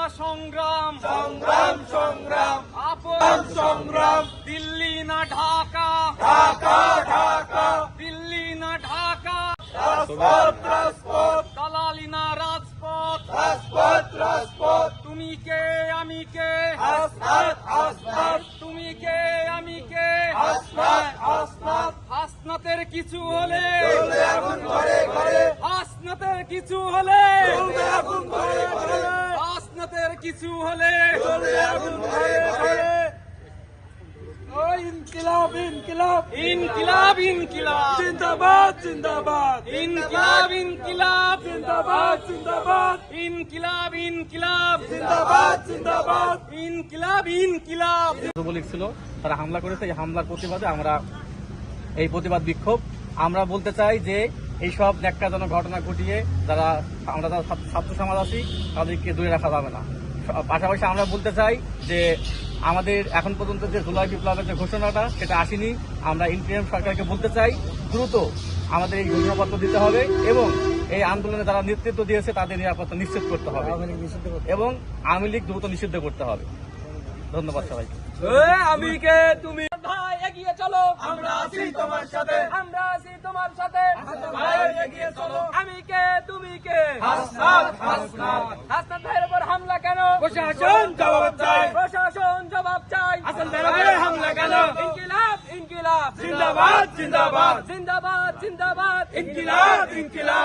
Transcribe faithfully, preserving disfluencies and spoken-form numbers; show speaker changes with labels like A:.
A: সংগ্রাম
B: সংগ্রাম সংগ্রাম
A: আপন
B: সংগ্রাম
A: দিল্লি না ঢাকা
B: ঢাকা ঢাকা
A: দিল্লি না ঢাকা
B: রাজপথ রাজপথ
A: দালালি না রাজপথ
B: রাজপথ রাজপথ
A: তুমি কে আমি কে
B: হাসনাত হাসনাত
A: তুমি কে আমি কে
B: হাসনাত হাসনাত
A: হাসনাতের কিছু হলে
B: চলবে আগুন ঘরে ঘরে
A: হাসনাতের কিছু হলে
B: চলবে আগুন ঘরে ঘরে
A: হাসনাতের কিছু হলে
B: চলবে আগুন ঘরে ঘরে ও ইনকিলাব ইনকিলাব
A: ইনকিলাব ইনকিলাব
B: জিন্দাবাদ জিন্দাবাদ
A: ইনকিলাব ইনকিলাব
B: জিন্দাবাদ জিন্দাবাদ
A: ইনকিলাব ইনকিলাব
B: জিন্দাবাদ জিন্দাবাদ
A: ইনকিলাব ইনকিলাব
C: যুবলীগ ছিল, তারা হামলা করেছে। এই হামলার প্রতিবাদে আমরা এই প্রতিবাদ বিক্ষোভ আমরা বলতে চাই যে এইসব ন্যাক্কারজনক ঘটনা ঘটিয়ে যারা আমরা যারা ছাত্র সমাজ আছি তাদেরকে দূরে রাখা যাবে না। পাশাপাশি আমরা বলতে চাই যে আমাদের এখন পর্যন্ত যে জুলাই বিপ্লবের যে ঘোষণাটা সেটা আসেনি। আমরা ইন্টারিম সরকারকে বলতে চাই দ্রুত আমাদের এই ঘোষণাপত্র দিতে হবে এবং এই আন্দোলনে যারা নেতৃত্ব দিয়েছে তাদের নিরাপত্তা নিশ্চিত করতে হবে এবং আওয়ামী লীগ দ্রুত নিষিদ্ধ করতে হবে। ধন্যবাদ সবাইকে।
A: আমি কে তুমি ভাই এগিয়ে চলো,
B: আমরা আছি তোমার সাথে,
A: আমরা আছি তোমার সাথে।
B: ভাই এগিয়ে চলো,
A: আমি কে তুমি কে
B: হাসনাত হাসনাত
A: হাসনাত ভাইয়ের উপর হামলা কেন?
B: প্রশাসন জবাব চাই,
A: প্রশাসন জবাব চাই।
B: হাসান ভাইয়ের উপরে হামলা কেন?
A: ইনকিলাব ইনকিলাব
B: জিন্দাবাদ জিন্দাবাদ
A: জিন্দাবাদ জিন্দাবাদ
B: ইনকিলাব ইনকিলাব